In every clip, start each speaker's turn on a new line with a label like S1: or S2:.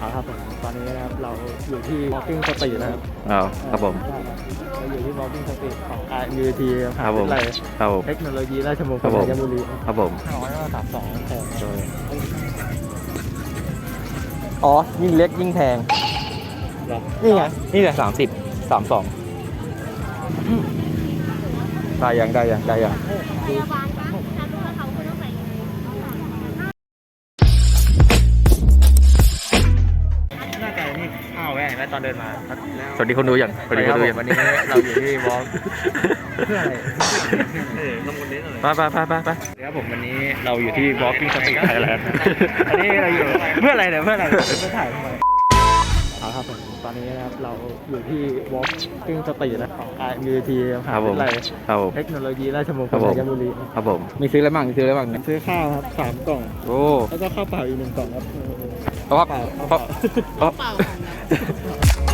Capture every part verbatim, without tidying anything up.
S1: เอาครับผมตอนนี้นะครับเราอยู่ที่ Walking Street นะครับ
S2: อ้าวครับผม
S1: เราอยู่ที่ Walking Street ของ อาร์ ยู ที
S2: ครับผมครับผม
S1: เทคโนโลยีราชมงคลธัญบุรี
S2: ครับผม
S1: ห้าร้อยสามสองแพงอ๋อยิ่งเล็กยิ่งแพงนี่ไง
S2: นี่แหละสามสิบสามสองได้ยังได้ยังได้ยัง
S3: พยาบาลปะถ้ารู้ว่าเขาคุณต้องใส่ยังไง
S1: หน้าไก่นี่อ้าวแม่เห็นไหมตอนเดินมา
S2: สวัสดีคนดูอย่างสวัสดีคนดูอย่าง
S1: วันนี้เราอยู่ที่วอล์กเพื่ออะไรเออลงบนนี้หน่อย
S2: ไปไปไปไปไป
S1: เดี๋ยวผมวันนี้เราอยู่ที่ Walking Street Thailand อันนี้เราอยู่เพื่ออะไรเนี่ยเพื่ออะไรเพื่อถ่ายทำไมเอาครับผมตอนนี้นะครับเราอยู่ที่ Walking Street นะของ อาร์ ยู ที มหาวิทยาลัย
S2: ครับผม
S1: เทคโนโลยีราชมงค
S2: ครั
S1: ล
S2: บผม
S1: ธัญบุรี
S2: ครับผมมีซื้ออะไรบ้างมีซื้ออะไรบ้างเนี่ย
S1: ซื้อข้าวครับสามกล่อง
S2: โอ้
S1: แล้วก็ข้าวเปล่าอีกหนึ่งกล่องครับ
S2: เพราะว่า
S1: เปล่า
S2: เพราะ
S3: เปล่าของนะ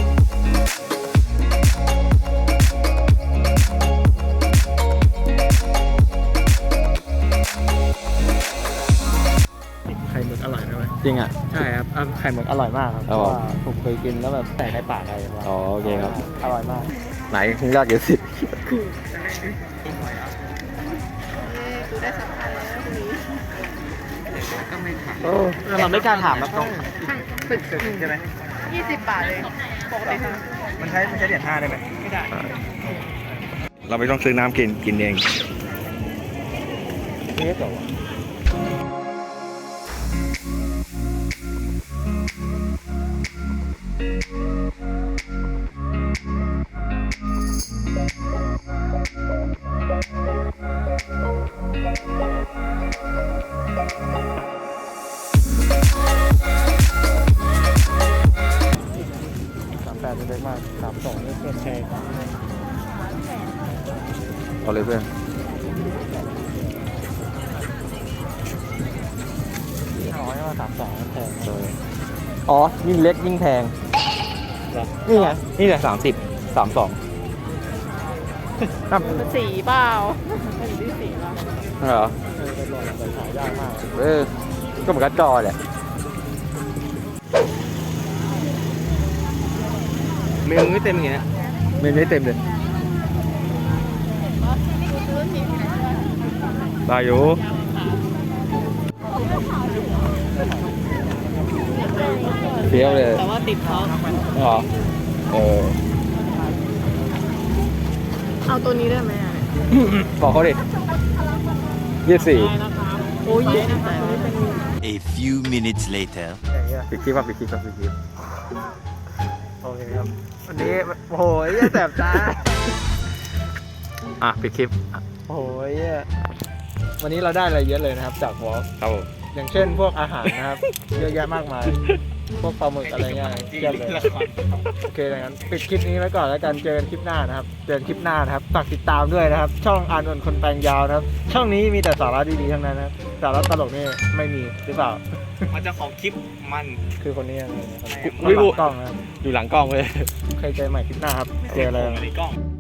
S1: ไข่หมึกอร่อยไหม
S2: จริงอ่ะ
S1: ใช่ครับอ่ะไข่หมึกอร่อยมากครับเพ
S2: ครับ
S1: ราะ
S2: ผม
S1: ว่าผมเคยกินแล้วแบบแต่ในปากอะไรมา
S2: อ๋อโอเคครับ
S1: อร่อยมาก
S2: ไหนมึงยากเยอะสิ
S3: กูได้สัมภาษณ์แล้วทีนี้
S1: เออเราไม่กล้าถามแล้วต้อง
S3: ฝึก
S1: ใช่ไหม
S3: ยี่สิบบาทเลยปกติค่ะ
S1: มันใช้มันใช้เหรียญห้าได้ไหมไม่ได้
S2: เราไม่ต้องซื้อน้ำกินกินเอง
S1: เนี้ยต่อสามแปดเป็นเล็กมากสามสองนี่เพื่อนแชร์
S2: เอาเลยเพื่อน
S1: ห้าร้อยว่าสามสองแพง
S2: อ๋อยิ่งเล็กยิ่งแพง
S1: นี่ไง
S2: นี่แหละสามสิบสามสอง
S3: สีเปล่าสีที่สีเปล่า
S2: เหรอ
S1: เออเป็นหลอดแต่ขายยากมาก
S2: เออก็เหมือนกับจอแหละเมนูไม่เต็มอย่างเงี้ยเมนูไม่เต็มเลยได้อยู่เฟี้ยวเลย
S3: แต่ว่าติดเขา
S2: อ๋อเออ
S3: เอาตัวนี้ได้ไหมอ่ะ
S2: บอกเขาดิยี่สิบสี่
S3: โอ้ยยี่สิบแต่ไม่เป็น
S4: A few minutes later.
S1: อย่างเงี้ย
S2: ปิดคลิปป่ะปิดคลิปป่ะปิดคลิป
S1: โอเคครับ วันนี้โอ้โหเหี้ยแสบตา
S2: อ่ะปิดคลิป
S1: โอ้โหเหี้ยวันนี้เราได้อะไรเยอะเลยนะครับ จากวอล์ก
S2: ครับผม
S1: อย่างเช่นพวกอาหารนะครับ เยอะแยะมากมาย พวกปลาหมึกอะไรเงี้ยเทียบเลยโอเคดังนั้นปิดคลิปนี้ไว้ก่อนแล้วกันเจอกันคลิปหน้านะครับเจอกันคลิปหน้านะครับฝากติดตามด้วยนะครับ ช่องอานนท์คนแปลงยาวนะครับ ช่องนี้มีแต่สาระดีๆทั้งนั้นนะครับสาระตลกนี่ไม่มีหรือเปล่า
S5: มันจะของคลิปมัน
S1: คือคนนี้อะไรนะครับ
S2: วิบุ
S1: กล้องนะครับ
S2: อยู่หลังกล้องเลย
S1: ใครเจอใหม่คลิปหน้าครับเจออะไร
S5: ในกล้อง